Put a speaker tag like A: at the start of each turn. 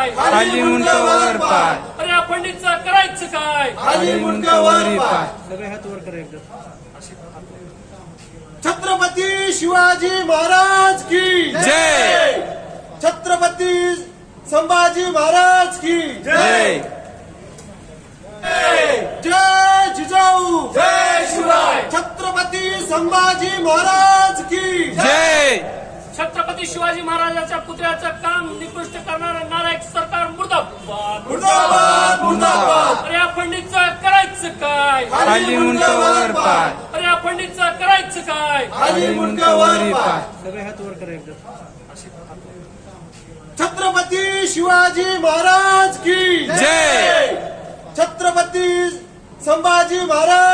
A: काय
B: खाली मुंडका वर पाय
A: अरे या पंडितचं करायचं काय
B: खाली मुंडका वर पाय
C: सगळे हात वर करा एकदा.
D: छत्रपती शिवाजी महाराज की
B: जय
D: छत्रपती संभाजी महाराज की
B: जय
D: जय जिजाऊ
A: जय शिवराय
D: छत्रपती संभाजी महाराज की
B: जय
A: छत्रपती शिवाजी महाराजांच्या पुतळ्याचं काम निकृष्ट करणारं नालायक सरकार मुर्दाबाद
D: मुर्दाबाद मुर्दाबाद
A: अरे या पंडितचं करायचं काय
B: खाली मुंडका वर पाय
A: अरे या पंडितचं करायचं काय
D: खाली मुंडका वर पाय
C: सगळे हात वर करा एकदा.
D: छत्रपती शिवाजी महाराज की
B: जय
D: छत्रपती संभाजी महाराज